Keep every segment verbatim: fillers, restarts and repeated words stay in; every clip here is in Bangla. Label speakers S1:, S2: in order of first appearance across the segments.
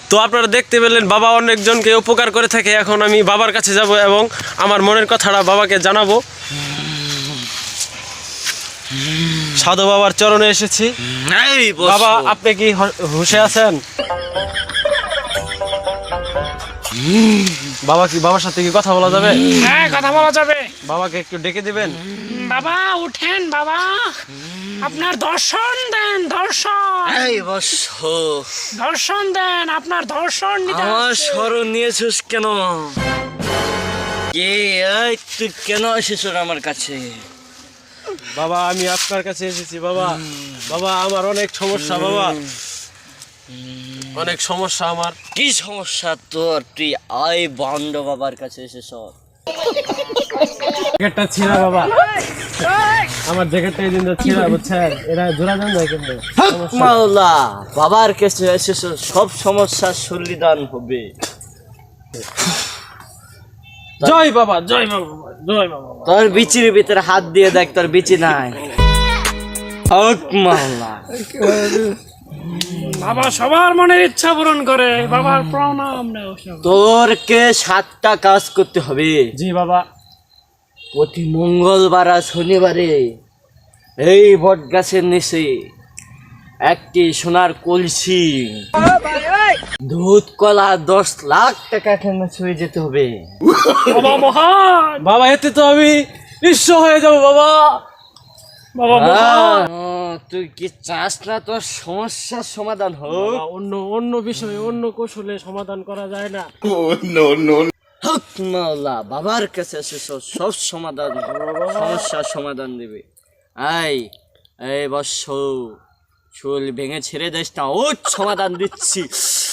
S1: তো আপনারা দেখতে পেলেন বাবা অনেকজনকে উপকার করে থাকে। এখন আমি বাবার কাছে যাব এবং আমার মনের কথাটা বাবাকে জানাবো। সাধু বাবার চরণে এসেছি। বাবা, আপনি কি হুঁশে আছেন? বাবা কি বাবার সাথে কি কথা বলা যাবে?
S2: হ্যাঁ, কথা বলা যাবে।
S1: বাবাকে একটু ডেকে দিবেন।
S2: বাবা উঠেন, বাবা আপনার দর্শন দেন, দর্শন।
S3: এই বস,
S2: দর্শন দেন, আপনার দর্শন নিতে
S3: আমার
S2: আসছে।
S3: স্মরণ নিয়েছিস কেন? কে? এই তুই কেন এসেছ আমার কাছে?
S1: বাবা, আমি আপনার কাছে এসেছি বাবা। বাবা, আমার অনেক সমস্যা বাবা, অনেক সমস্যা আমার।
S3: কি সমস্যা তোর? তুই আই বন্ড বাবার কাছে এসেছ।
S1: জ্যাকেটটা ছিঁড়া বাবা, আমার জ্যাকেটটা এই দিন ছিঁড়া, বুঝছেন? এরা জোড়া দেন না কিন্তু।
S3: মাওলা, বাবার কাছে এসেছ, সব সমস্যার সমাধান হবে।
S1: জয় বাবা, জয় বাবা, জয় বাবা।
S3: তোর বিচির ভিতরে হাত দিয়ে দেখ, তোর বিচি নাই। হক মাওলা।
S2: বাবা সবার মনের ইচ্ছা পূরণ করে। বাবার প্রণাম নাও সব।
S3: তোরকে সাতটা কাজ করতে হবে।
S1: জি বাবা।
S3: প্রতি মঙ্গলবার আর শনিবারে এই বট গাছের নিচে একটি সোনার কলসি, দুধ কলা দশ লাখ টাকা কেন ছুঁয়ে যেতে হবে।
S2: বাবা মহান,
S1: বাবা, এতে তো আমি নিঃস্ব হয়ে যাবো বাবা।
S2: বাবা মহান।
S3: আহ, তুই কি চাস না তোর সমস্যার সমাধান হোক?
S1: বাবা, অন্য অন্য বিষয়ে অন্য কৌশলে সমাধান করা যায় না?
S3: হক মাওলা, বাবার কাছে এসেছ, সব সমাধান, সমস্যার সমাধান দেবে। আই এই বৎস, চুল ভেঙে ছেড়ে দিস না, ও সমাধান দিচ্ছি।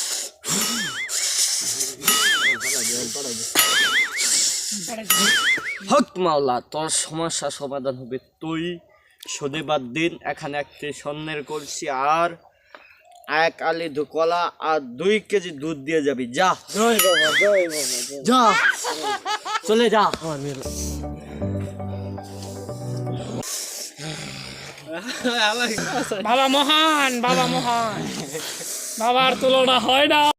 S3: হক মাওলা, তোর সমস্যা সমাধান হবে। তুই শনিবার দিন এখানে একটি স্বর্ণের কলসি আর এক আলি কলা আর দুই কেজি দুধ দিয়ে যাবি। যা
S1: জয় বাবা, জয় বাবা,
S3: যা, চলে যা।
S2: বাবা মহান, বাবা মহান। বাবার তুলনা হয় না।